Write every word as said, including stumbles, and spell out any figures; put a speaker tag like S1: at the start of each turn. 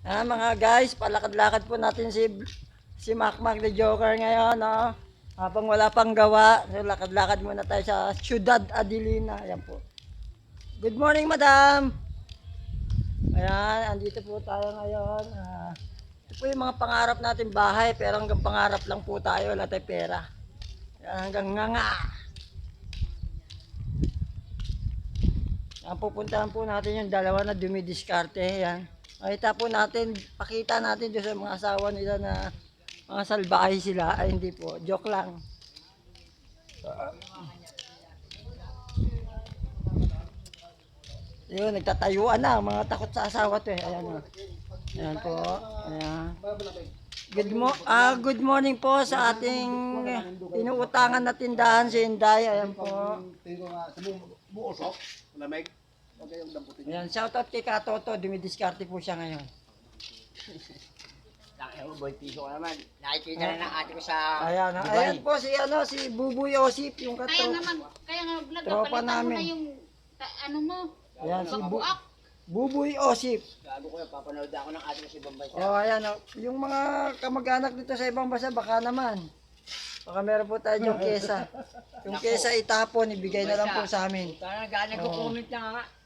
S1: Ah, mga guys, palakad-lakad po natin si si Macmac the Joker ngayon, no? Habang wala pang gawa, so lakad-lakad muna tayo sa Ciudad Adelina. Ayan po. Good morning, madam. Ayan, andito po tayo ngayon. Ah, ito po yung mga pangarap natin bahay, pero hanggang pangarap lang po tayo, wala tayong pera. Ayan, hanggang nga nga. Ayan, pupuntahan po natin yung dalawa na dumidiskarte. Ayan. Makita po natin, pakita natin doon sa mga asawa nila na mga salbahay sila. Ay hindi po, joke lang. Yun, nagtatayuan na, mga takot sa asawa to eh. Ayan o. Ayan po. Ayan. Good, mo ah, good morning po sa ating inuutangan na tindahan si Inday. Ayan po. Ayan, shoutout kay Katoto, dumidiskarte po siya ngayon.
S2: Nakaya mo, boy, piso ka naman. Nakikita na ng ate ko sa
S1: Ayan,
S2: Dubai.
S1: ayan po si ano, si Buboy Osip, yung
S3: Kaya
S1: katro.
S3: naman, kaya nga vlog,
S1: Tropa
S3: palitan mo
S1: namin.
S3: na yung, ta- ano mo,
S1: Ayan, si Bu
S3: babuak.
S1: Buboy Osip.
S2: Gago ko yan, papanood ako ng ate ko sa ibang bansa.
S1: Oh, ayan, oh. Yung mga kamag-anak dito sa ibang bansa, baka naman. Baka meron po tayo yung kesa. Yung kesa itapon, ibigay na lang po sa amin.
S2: Parang galing ko comment na nga.